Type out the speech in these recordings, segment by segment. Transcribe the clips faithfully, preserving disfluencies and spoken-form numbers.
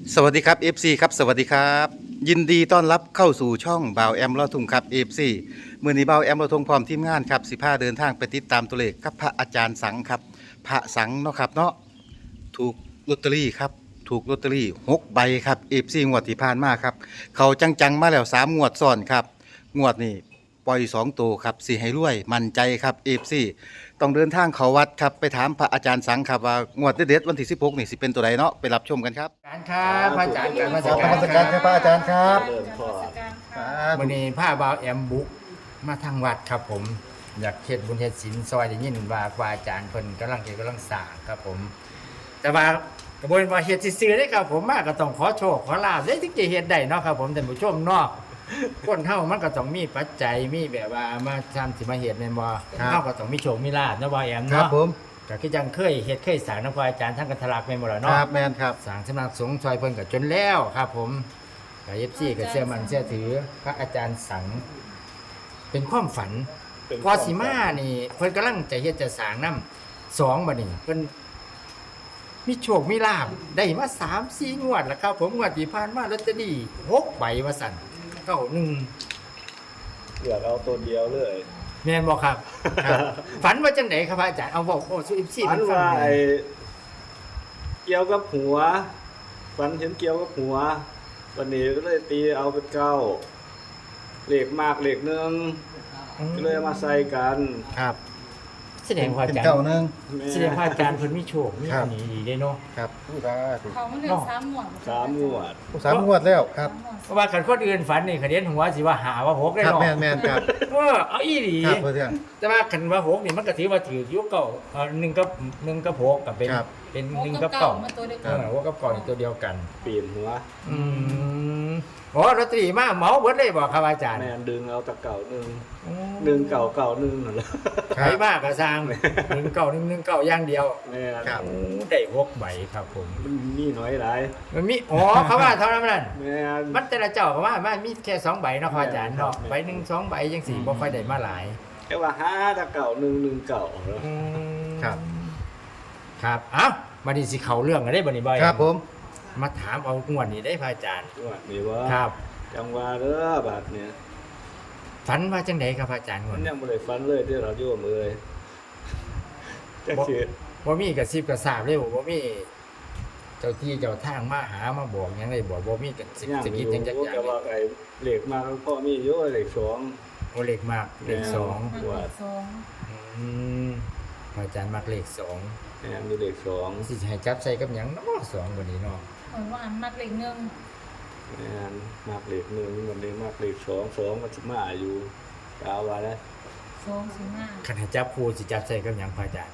สวัสดีครับ เอฟ ซี ครับสวัสดีครับยินดีต้อนรับเข้าสู่ช่องบ่าวแอมลอทุ่งครับ เอฟ ซี มื่อนี้บ่าวแอมลอทุ่งพร้อมทีมงานครับสิพาเดินทางไปติดตามตัวเลขกับพระอาจารย์สังครับพระสังเนาะครับเนาะถูกลอตเตอรี่ครับถูกลอตเตอรี่หกใบครับ เอฟ ซี งวดที่ผ่านมาครับเขาจังๆมาแล้วสามงวดซ้อนครับงวดนี้ปล่อยสองตัวครับสิให้รวยมั่นใจครับ เอฟ ซี ต้องเดินทางเขาวัดครับไปถามพระอาจารย์สังครับว่างวดเด็ดๆวันที่สิบหกนี่สิเป็นตัวใดเนาะไปรับชมกันครับการครับพระอาจารย์การมาขสอบการนมัสการครับพระอาจารย์ครับเริ่มพ่อวันนี้ผ้าบาวแอมบุกมาทางวัดครับผม อยากเฮ็ดบุญเฮ็ดศีลซอยได้ยินว่าครูอาจารย์เพิ่นกำลังเฮ็ดกำลังสร้างครับผม แต่ว่ากระบวนการเฮ็ดซื่อๆได้ครับผมมาก็ต้องขอโชคขอลาภได้ถึงจะเฮ็ดได้เนาะครับผมท่านผู้ชมเนาะคนเฮามันก็ต้องมีปัจจัยมีแบบว่ามาทำสิมาเฮ็ดแม่นบ่เฮาก็ต้องมีโชคมีลาภเนาะบ่าวแอมครับเนาะผมก็คือจังเคยเฮ็ดเคยสร้างนำครูอาจารย์ทั้งกันทะลักแม่นบ่ล่ะคเนาะรับแมนครับสร้างสำนักสงฆ์ซอยเพิ่นก็จนแล้วครับผมกับ เอฟ ซี ก็เชื่อมันเชื่อถือพระอาจารย์สัง เป็นความฝันเป็นพอสิมานี่เพิ่นกำลังจะเฮ็ดจะสร้างนำสองบัดนี้เพิ่นมีโชคมีลาภได้มาสาม สี่งวดแล้วครับผมงวดที่ผ่านมาลอตเตอรี่หกใบว่าซั่นเก้าหนึ่งเหลือเอาตัวเดียวเลยแม่นบ่ครับครับ ฝันว่าจังไดครับพระอาจารย์เอาบอกโอ้สู่ เอฟ ซีฝัเพิ่นนฟังว่าหน่ไอ้อยเกี่ยวกับหัวฝันเห็นเกี่ยวกับหัว วันนี้ก็เลยตีเอาเป็นเก้าเหล็กมากเหล็กหนึ่งก็เลยเอามาใส่กันครับแสดงว่าอาเป็นจารย์เก้าหนึ่งแม่แสดงว่าอาจารย์เพิ่นมีโชคมีครัอับนนี้ดีเด้เนาะครับผู้ตาถูกเขาไม่เรียนสามหมวดสามงวดสามงวดแล้วครับเพราะว่าคันคนอื่นฝันนี่คันเห็นหัวสิว่าหาว่าหกได้ครับเนาะแมนแมนครับเออเอาอีหลีครับเพื่อนแต่ว่าคันว่าหกนี่มันก็ถือว่าถืออยู่เก่าเออหนึ่งกับหนึ่งกับหกก็เป็นครับเป็นหหนึ่งกกักับบ เก่าเก่ามาตัวเดียวเอกันอหกกับเก่านี่ตัวเดียวกันปีนหัวอืมอ๋อลอตเตอรี่มาเหมาเบิดเลยบ่ครับอาจารย์แม่นดึงเอาตะเก่าหนึ่งอืมหนึ่งเก่าเก่าหนึ่งนั่นแหละใครมากก็สร้างหนึ่งเก่าหนึ่งหนึ่งเก่าอย่างเดียวแม่นครับโอ้ได้หกใบครับผมมันมีน้อยหลายมันมีอ๋อเขาว่าเท่านั้นนั่นแม่นมันแต่ละเจ้าก็ว่ามันมีแค่สองใบเนาะครับอาจารย์เนาะครับใบหนึ่งสองใบจังสี่บ่ค่อยได้มาหลายแค่ว่าห้าตะเก่าหนึ่งหนึ่งเก่าแล้วครับครับเอ้ามาดีสิเขาเรื่องกันได้บ่นี่บ่อยครับผมมาถามเอางวดนี้ได้พระอาจารย์งวดนี้ว่าครับจังหวะเด้อบาดเนี่ยฝันว่าจังไดครับพระอาจารย์งวมัดนนี้ยังบ่ได้ฟันเลยที่เราโยมเลยจักสิบ่มีกระซิบกระซาบเลยบ่บ่มีเจ้าที่เจ้าทางมาหามาบอกหยังได้บ่บ่มีกระซิบย่างสะอกิดยู่จังจักอย่างแต่ว่าไอ้เหล็กมาแล้วพ่อมีอยู่เหล็กสองโอเลขมากเลขสองมันเลขสองอืมพระอาจารย์มักเลขสองแม่นอยู่เหล็กสองสิให้จับใส่กับหยังเนาะสองกว่านี้เนาะเหมือนว่าอันมักเลขหนึ่งแม่นมากเหล็กหนึ่งวันนี้มากเหล็กสองสองมันสิมาอยู่กาวว่าแล้วสองสี่ห้าคันให้จับคู่สิจับใส่กับหยังพระอาจารย์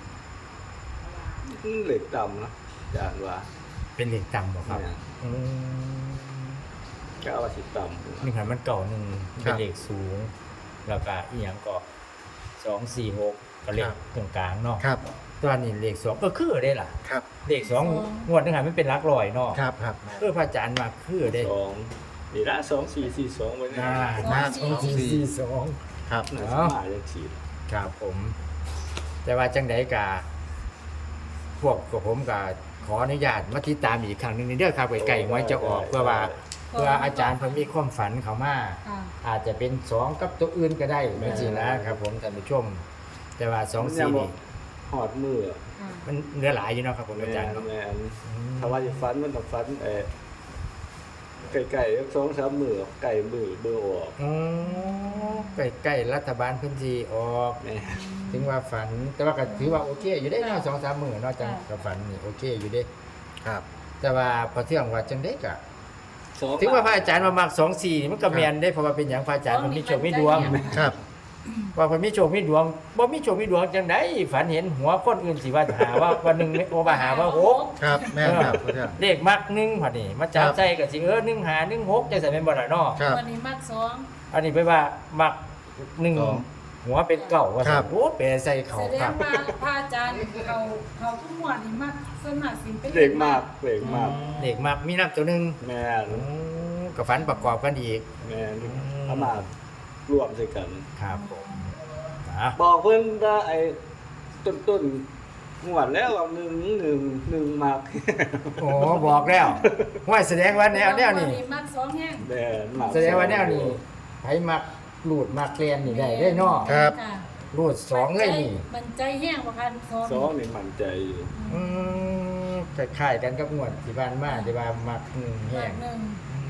เหล็กต่ำนะจานว่าเป็นเลขต่ำบ่ครับแม่นอืมกาวว่าสิต่ำนี่คันมันเก่าหนึ่งคเป็รันบเลขสูง แล้วก็อีหยังก็สองสี่หกก็เลขครับตรงกลางเนาะครับตัวนี้เลขสองก็คือได้ล่ะครับเลขสองงวดนึงหันมันเป็นหลักร้อยเนาะครับครับเออพระอาจารย์มาคือได้สองนี่ละสองสี่สี่สองไว้หเนี่ยน้าหน้าสองสี่สี่สองครับน่าสิมาจังสิครับผม แต่ว่าจังไดกาพวกกับผมก็ขออนุญาตมาติดตามอีกครั้งหนึงในเด้อครับไก่ๆไว้จะออกเพื่อว่าเพื่ออาจารย์เพิ่นมีความฝันเขามาค่ะอาจจะเป็นสองกับตัวอื่นก็ได้ไม่จริงนะครับผมท่านผู้ชม แต่ว่าสองสี่นี่หอดมือค่ะมันเนื้อหลายอยู่เนาะครับผมแม่อาจารย์นเนาะแม่นถ้าว่าจะฟันมันต้องฟันเอ่อไก่ๆสองสามมือไก่มือเบอร์ออกอ๋อใกล้ๆรัฐบาลเพื้นที่ออกแม่ถึงว่าฝัน แต่ว่าก็ถือว่าโอเค อยู่ได้เนาะสองสามหมื่นเนาะจังกับฝันนี่โอเคอยู่ได้ครับแต่ว่าพอเที่ยงว่าจังได้กะสองถึงว่าพระอาจารย์มามักสองสี่นี่มันก็แมนได้เพราะว่าเป็นอย่างพระอาจารย์มันมีโชคมีดวงครับว่าเพิ่นมีโชคมีดวงบ่มีโชคมีดวงจังได๋ฝันเห็นหัวคนอื่นสิว่าหาว่าวันหนึงโอว่าหาว่าหกครับแม่นครับเพื่อนเลขมักหนึ่งพอดีมาจับครับใจก็สิเออหนึ่งหาหนึ่งหกจังซั่นแม่นบ่ล่ะเนาะครับวันนี้มักสองอันนี้ไปว่ามักหนึ่งสองหัวเป็นเก่าว่าครัซั่บนโอ้แปลใส่เขาแสดครังบว่าพระอาจารย์เขาเขาทุกหมวดนี่มักส่วนมากสิเป็นเหล็กมากเหล็กมากเลขมักมีนับตัวหนึงแม่นอืมก็ฝันประกอบกันอีกแม่นอืมเอามารวมใส่กันครับผมนะบอกเพิ่นว่าไอ้ต้นต้นงวดแล้วว่าหนึ่งหนึ่งหนึ่งมากโอ้บอกแล้วว่าแสดงว่าแนวแนวนี้มักสองแห้งแดนมากแสดงว่าแนวนี้ไผมักรูดมักเรียนนี่ได้ได้เนาะครับะรูดสองเลยนี่มันใจแห้งบ่คันสองสองนี่มั่นใจอยู่อืมคล้ายๆกันกับงวดที่ผ่านมาที่ว่ามักหนึ่งแห้มังกหนึ่ง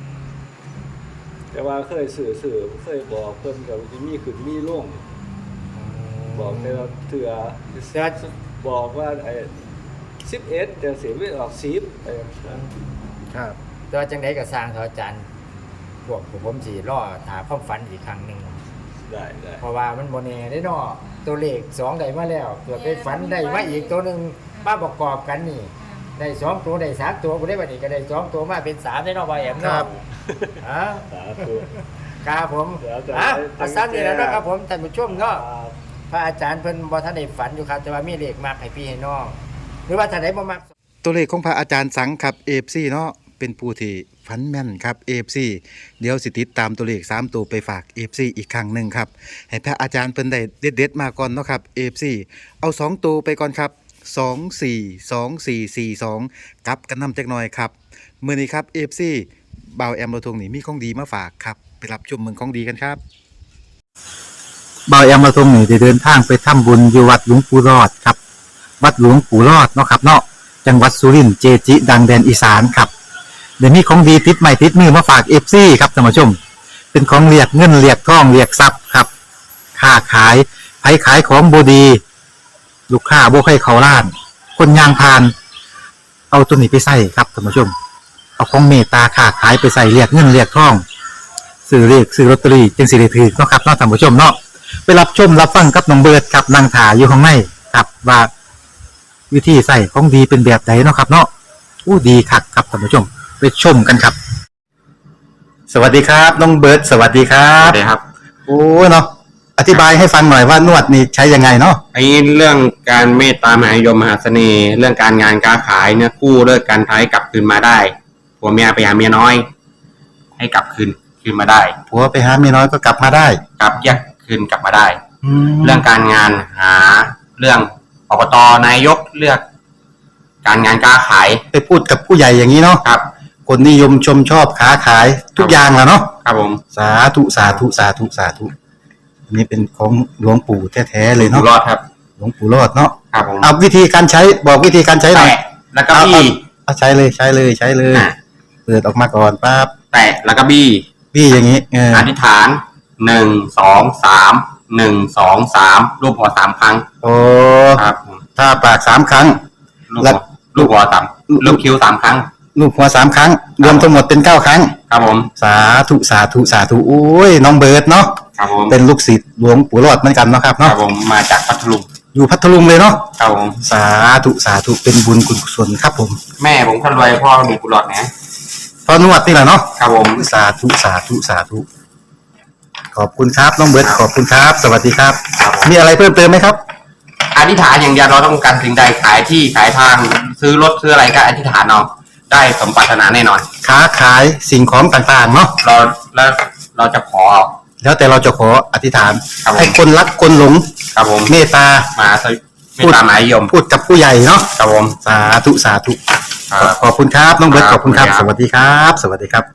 แต่ว่าเคยสื่อสื่อเคยบอกเพิ่นกับที่มีขึ้นมีลงบอกแต่ละเถื่อแต่ว่าบอกว่าไอ้สิบเอ็ดจะเสียไม่ออกสิบไปครับแต่ว่าจังไดก็สร้างเถอะอาจารย์พวกผมสิรอหาความฝันอีกครั้งหนึงได้ได้เพราะว่ามันบ่แน่ได้เนาะตัวเลขสองได้มาแล้วเกิดไปฝันได้มาอีกตัวหนึงมาประกอบกันนี่ ได้สองตัวได้สามตัวบ่ได้บัดนี้ก็ได้สองตัวมาเป็นสามได้เนาะบ่แอมครัเนาะบฮะสาธุครับผมเดี๋ยวจะอ่ะให้อาสั้นนี่แหละเนาะครับผมท่านผู้ชมเนาะครับพระอาจารย์เพิ่นบ่ทันได้ฝันอยู่ครับแต่ว่ามีเลขมากให้พี่ให้น้องหรือว่าท่านใดบ่มักตัวเลขของพระอาจารย์สังครับ เอ เอฟ ซี เนาะเป็นผู้ที่ฝันแม่นครับ เอ เอฟ ซี เดี๋ยวสิติดตามตัวเลขสามตัวไปฝาก เอ เอฟ ซี อีกครั้งหนึ่งครับให้พระอาจารย์เพิ่นได้เด็ดๆมาก่อนเนาะครับ เอ เอฟ ซี เอาสองตัวไปก่อนครับสอง สี่ สอง สี่ สี่ สองกลับกันนำจักหน่อยครับมื้อนี้ครับ เอ เอฟ ซี บ่าวแอมเราทงนี่มีของดีมาฝากครับไปรับชมเมืองของดีกันครับบ่าวแอมเราทงนี่ได้เดินทางไปทำบุญอยู่วัดหลวงปู่รอดครับวัดหลวงปู่รอดเนาะครับเนาะจังหวัดสุรินทร์เจจิ ดังแดนอีสานครับเดี๋ยวนี้ของดีติดใหม่ติดมือมาฝาก เอฟ ซี ครับท่านผู้ชม เป็นของเรียกเงินเรียกทองเรียกทรัพย์ครับค้าขายไผขายของบดี ลูกค้าบ่ให้เขาล้าน คนยางพาน เอาตัวนี้ไปใส่ครับท่านผู้ชม เอาของเมตตาค้าขายไปใส่เรียกเงินเรียกทองซื้อเรียกซื้อลอตเตอรี่จึงสิได้ถือเนาะครับเนาะท่านผู้ชมเนาะไปรับชมรับฟังกับน้องเบิร์ดครับนางถาอยู่ข้างในครับว่าวิธีใส่ของดีเป็นแบบไหนเนาะครับเนาะอู้ดีคักครับท่านผู้ชม ไปชมกันครับ สวัสดีครับน้องเบิร์ดสวัสดีครัครับ บเลยครับโอ้เนาะอธิบายให้ฟังหน่อยว่านวดนี่ใช้ยังไงเนาะไอ้เรื่องการเมตตามหานิยมมหาเสน่ห์ เรื่องการงานการขายเนี่ยกู้เลิกการท้ายกลับคืนมาได้ผัวเมียไปหาเมียน้อย ให้กลับคืนคืนมาได้ผัวไปหาเมียน้อยก็กลับมาได้กลับแยกคืนกลับมาได้แล้เรื่วองการงานหาเรื่องอบตนายกเลือก การงานการขายไปพูดกับผู้ใหญ่อย่างนี้เนาะครับคนนิยมชมชอบค้าขายทุกอย่างแหล้วเนาะครับผมสาธุสาธุสาธุสาธุอันนี้เป็นของหลวงปู่แท้ๆเลยอยู่เนาะรอดครับหลวงปู่รอดเนาะครับผมเอาวิธีการใช้บอกวิธีการใช้หน่อยแตะแล้วก็บี้เอาใช้เลยใช้เลยใช้เลยอ่ะเปิดออกมาก่อนปั๊บแตะแล้วก็บี้พี่อย่างนี้เอออธิษฐานหนึ่งสองสามหนึ่งสองสามรูปหัวสามครั้งโอ้ครับผมถ้าปากสามครั้งลูกแล้หัววลูกหัวสามลูกคิ้วสามครั้งลูกหัวสามครั้ง รวมทั้งหมดเป็นเก้าครั้งครับผมสาธุสาธุสาธุโอ้ยน้องเบิร์ดเนาะครับผมเป็นลูกศิษย์หลวงปู่รอดเหมือนกันเนาะครับครัเนาะบผมมาจากพัทลุงอยู่พัทลุงเลยเนาะครับผมสาธุสาธุเป็นบุญคุณกุศลครับผมแม่ผมคนรวยพ่อมีกุหลาบนะพอนวดนี่แหละเนาะครับผมสาธุสาธุสาธุขอบคุณครับน้องเบิร์ดขอบคุณครับ สวัสดีครับครับผมมีอะไรเพิ่มเติมไหมครับอธิษฐานอย่างเดียวเราต้องการสิ่งใดขายที่ขายทาง ซื้อรถซื้ออะไรก็อธิษฐานเอาได้สมปรารถนาแน่นอนค้าขายสิ่งของต่างๆเนาะเราแล้วเราจะขอแล้วแต่เราจะขออธิษฐานครับผมให้คนรักคนหลงครับผมเมตตามาสวิไม่ตามหมายยมพูดกับผู้ใหญ่เนาะครับผมสาธุสาธุครับขอบคุณครับน้องเบิร์ตคขรับอบคุณครับขอบสคุณครับวัสดีครับ สวัสดีครับ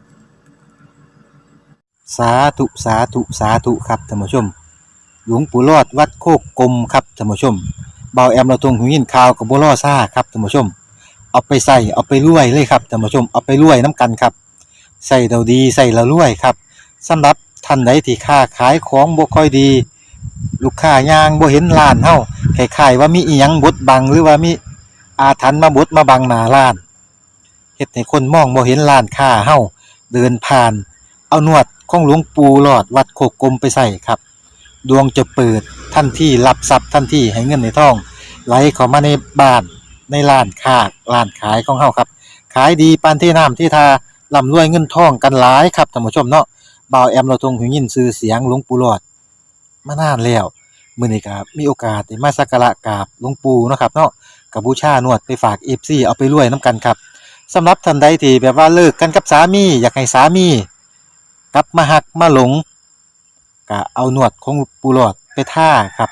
สาธุสาธุสาธุครับท่านผู้ชม หลวงปู่รอดวัดโคกกลมครับท่านผู้ชมเบาแอมเราตรงหูยินข่าวกับบัวล่อซ่าครับท่านผู้ชม เอาไปใส่เอาไปรวยเลยครับท่านผู้ชมเอาไปรวยน้ำกันครับใส่เราดีใส่เรารวยครับสำหรับท่านใดที่ค้าขายของบ่ค่อยดี ลูกค้ายางบ่เห็นร้านเฮาคล้ายๆว่ามีอีหยังบดบังหรือว่ามีอาถรรพ์มาบดมาบังหน้าร้านเฮ็ดให้คนมองบ่เห็นร้านค้าเฮาเดินผ่าน เอานวดของหลวงปู่หลอดวัดโคกกลมไปใส่ครับดวงจะเปิดทันทีรับทรัพย์ทันทีให้เงินในท้องไหลเข้ามาในบ้านในร้านค้าร้านขายของเฮาครับขายดีปานที่น้ำที่ทาร่ำรวยเงินทองกันหลายครับท่านผู้ชมเนาะบ่าวแอมเราทรงหูยินชื่อเสียงหลวงปู่หลอดมานานแล้วมื้อนี้ก็มีโอกาสได้มาสักการะกราบหลวงปู่เนาะครับเนาะก็บูชานวดไปฝาก เอฟ ซี เอาไปรวยนํกันครับสำหรับท่านใดที่แบบว่าเลิกกันกับสามีอยากให้สามีกลับมาหักมาหลงก็เอานวดของปูหลอดไปท่าครับ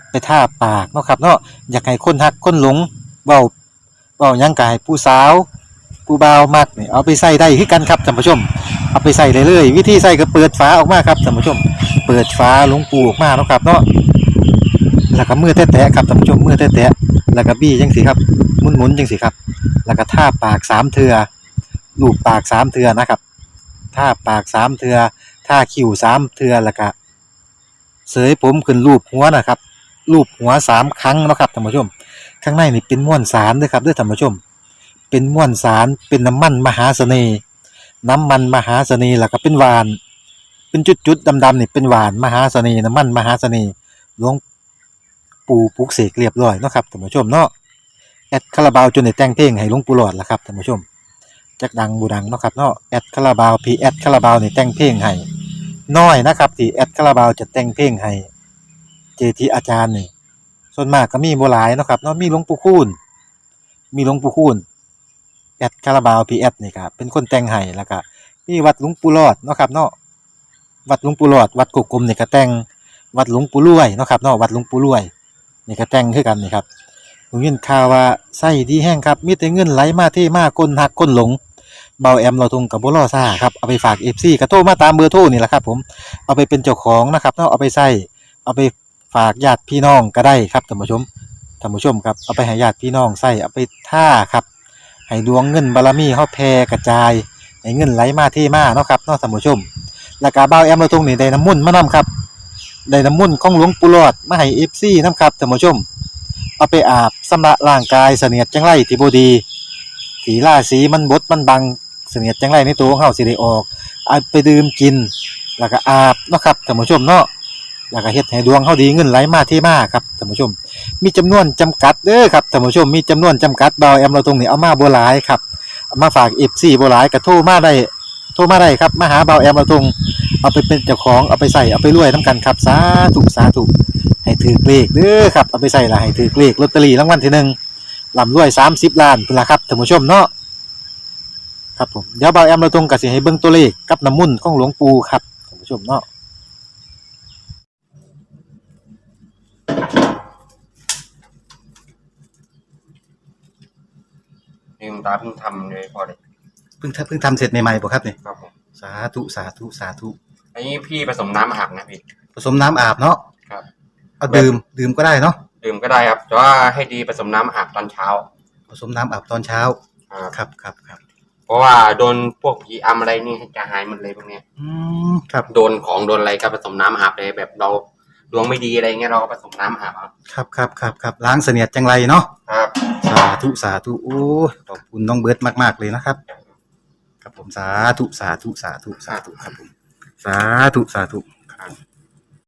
ไปท่าปากเนาะครับเนาะอยากให้คนฮักคนหลงเว้าเว้าหยังกายผู้สาวผู้บ่าวมักนี่เอาไปใส่ได้คือกันครับท่านผู้ชมเอาไปใส่ได้เลยวิธีใส่ก็เปิดฝาออกมาครับท่านผู้ชมเปิดฝาหลวงปูออกมาเนาะครับเนาะแล้วก็มือแตะๆครับท่านผู้ชมมือแตะๆแล้วก็บี้จังสิครับหมุนๆจังสิครับแล้วก็ท่าปากสามเทื่อลูบปากสามเทื่อนะครับท่าปากสามเทื่อท่าคิ้วสามเทื่อแล้วก็เสยผมขึ้นรูปหัวนะครับรูปหัวสามครั้งเนาะครับท่านผู้ชมข้างในนี่เป็นม้วนสารเด้อครับเด้อท่านผู้ชมเป็นม้วนสารเป็นน้ำมันมหาเสน่ห์น้ำมันมหาเสน่ห์แล้วก็เป็นหวานเป็นจุดๆดำๆนี่เป็นหวานมหาเสน่ห์น้ำมันมหาเสน่ห์หลวงปู่ปลุกเสกเรียบร้อยเนาะครับท่านผู้ชมเนาะแอดคาราบาวจนได้แต่งเพลงให้หลวงปู่หลอดล่ะครับท่านผู้ชมจักดังบูดังเนาะครับเนาะแอดคาราบาวพีแอดคาราบาวนี่แต่งเพลงให้น้อยนะครับที่แอดคาราบาวจะแต่งเพลงให้เจทีอาจารย์นี่ส่วนมากก็มีบ่หลายเนาะครับเนาะมีหลวงปู่คูณมีหลวงปู่คูณแอดคาราบาวพีแอดนี่ครับเป็นคนแต่งให้แล้วก็มีวัดหลวงปู่หลอดเนาะครับเนาะวัดหลวงปู่หลอดวัดกุกกลมนี่ก็แต่งวัดหลวงปู่รวยเนาะครับเนาะวัดหลวงปู่รวยนี่ก็แต่งคือกันนี่ครับผมยินข่าวว่าไส้ดีแห้งครับมีแต่เงินไหลมาเทมาคนหักคนหลงเบาแอมเราทงกับบ่รอซ่าครับเอาไปฝาก เอฟ ซี ก็โทรมาตามเบอร์โทรนี่แหละครับผมเอาไปเป็นเจ้าของนะครับเนาะเอาไปใส่เอาไปฝากญาติพี่น้องก็ได้ครับท่านผู้ชมท่านผู้ชมครับเอาไปให้ญาติพี่น้องใส่เอาไปท่าครับให้ดวงเงินบารมีเฮาแผ่กระจายให้เงินไหลมาเทมาเนาะครับเนาะท่านผู้ชมแล้วก็เบาแอมเราทงนี่ได้น้ำมนต์มานํครับได้น้ำมนต์ของหลวงปู่หลอดมาให้ เอฟ ซี นํครับท่านผู้ชมเอาไปอาบชำระร่างกายเสนียดจังไรที่บ่ดีที่ราศีมันบดมันบังเสนียดจังไรในตัวของเฮาสิได้ออกเอาไปดื่มกินแล้วก็อาบเนาะครับท่านผู้ชมเนาะแล้วก็เฮ็ดให้ดวงเฮาดีเงินไหลมาเทมาครับท่านผู้ชมมีจำนวนจำกัดเด้อครับท่านผู้ชมมีจำนวนจำกัดเบาแอมเราตรงนี้เอามาบ่หลายครับเอามาฝาก เอฟ ซี บ่หลายก็โทรมาได้โทรมาได้ครับมาหาเบาแอมเราตรงเอาไปเป็นเจ้าของเอาไปใส่เอาไปรวยนํกันครับสาธุสาธุให้ถือเลขเด้อครับเอาไปใส่ละให้ถือเลขลอตเตอรี่รางวัลที่หนึ่งร่ำรวยสามสิบล้านพุ่นล่ะครับท่านผู้ชมเนาะครับผมเดี๋ยวเบาแอมเราตรงก็สิให้เบิ่งตัวเลขกับน้ำมนต์ของหลวงปู่ครับท่านผู้ชมเนาะลืมตาเพิ่งทำเลยพอเลยเพิ่งทำเพิ่งทำเสร็จใหม่ๆบ่ครับนี่ครับผมสาธุสาธุสาธุอันนี้พี่ผสมน้ำอาบนะพี่ผสมน้ำอาบเนาะครับเอาดื่มดื่มก็ได้เนาะดื่มก็ได้ครับแต่ว่าให้ดีผสมน้ำอาบตอนเช้าผสมน้ำอาบตอนเช้าครับครับครับครับเพราะว่าโดนพวกผีอำอะไรนี่จะหายหมดเลยพวกเนี้ยอืมครับโดนของโดนอะไรก็ผสมน้ำอาบเลยแบบเราดวงไม่ดีอะไรเงี้ยเราก็ผสมน้ำอาบเอาครับครับครับครับล้างเสนียดจังไรเนาะครับสาธุสาธุโอ้ยขอบคุณน้องเบิร์ตมากๆเลยนะครับครับผมสาธุสาธุสาธุสาธุครับผมสาธุสาธุครับ